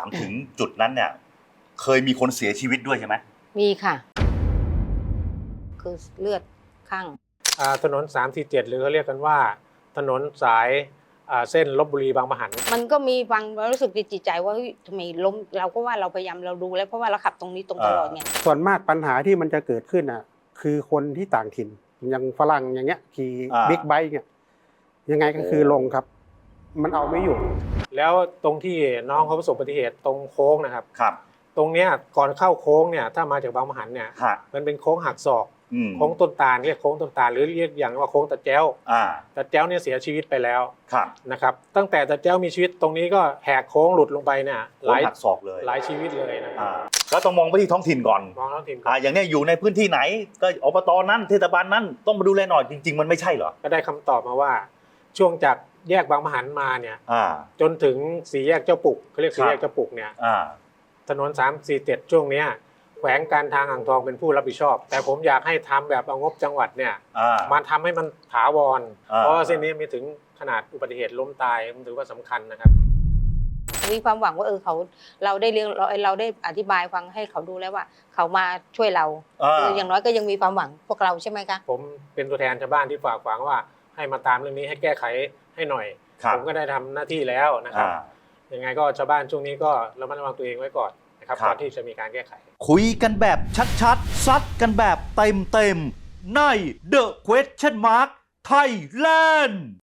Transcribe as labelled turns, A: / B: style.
A: ามถึงจุดนั้นเนี่ยเคยมีคนเสียชีวิตด้วยใช่ไหม
B: มีค่ะคือเลือดข้าง
C: ถนน347หรือเขาเรียกกันว่าถนนสายเส้นลพบุรีบางปะหัน
B: มันก็มีฟังรู้สึกจิตใจว่าทำไมล้มเราก็ว่าเราพยายามเราดูแล้วเพราะว่าเราขับตรงนี้ตรงตลอดไง
D: ส่วนมากปัญหาที่มันจะเกิดขึ้นอ่ะคือคนที่ต่างถิ่นอย่างฝรั่งอย่างเงี้ยขี่บิ๊กไบค์เนี่ยยังไงก็คือลงครับมันเอาไม่อยู่
C: แล้วตรงที่น้องเขาประสบอุบัติเหตุตรงโค้งนะครับ
A: ครับ
C: ตรงเนี้ยก่อนเข้าโค้งเนี่ยถ้ามาจากบางปะหันเนี่ยมันเป็นโค้งหักศอกโค้งต้นตาลเรียกโค้งต้นตาลหรือเรียกอย่างว่าโค้งตะแจ้วตะแจ้วเนี่ยเสียชีวิตไปแล้วนะครับตั้งแต่ตะแจ้วมีชีวิตตรงนี้ก็แหกโค้งหลุดลงไปเนี่ย
A: หลายหักศอกเลย
C: หลายชีวิตเลยนะครับ
A: แล้วต้องมองไปที่ท้องถิ่นก่อน
C: มองท้องถิ่น
A: อย่างนี้อยู่ในพื้นที่ไหนก็อบตนั้นเทศบาลนั้นต้องมาดูแลหน่อยจริงๆมันไม่ใช่เหรอ
C: ก็ได้คำตอบมาว่าช่วงจากแยกบางปะหันมาเนี่ยจนถึงสี่แยกเจ้าปุกเขาเรียกสี่แยกเจ้าปุกเนี่ยถนน347ช่วงเนี้ยแขวงการทางอ่างทองเป็นผู้รับผิดชอบแต่ผมอยากให้ทำแบบเอางบจังหวัดเนี่ยมาทำให้มันถาวรเพราะเส้นนี้มีถึงขนาดอุบัติเหตุล้มตายมันถือว่าสำคัญนะครับ
B: มีความหวังว่าเราได้เรื่องเราได้อธิบายฟังให้เขาดูแล้วว่าเขามาช่วยเราอย่างน้อยก็ยังมีความหวังพวกเราใช่ไหมคะ
C: ผมเป็นตัวแทนชาวบ้านที่ฝากฝังว่าให้มาตามเรื่องนี้ให้แก้ไขให้หน่อยผมก็ได้ทำหน้าที่แล้วนะครับยังไงก็ชาวบ้านช่วงนี้ก็ระมัดระวังตัวเองไว้ก่อนนะครับก่อนที่จะมีการแก้ไข
E: คุยกันแบบชัดๆซัดกันแบบเต็มๆใน The Question Mark Thailand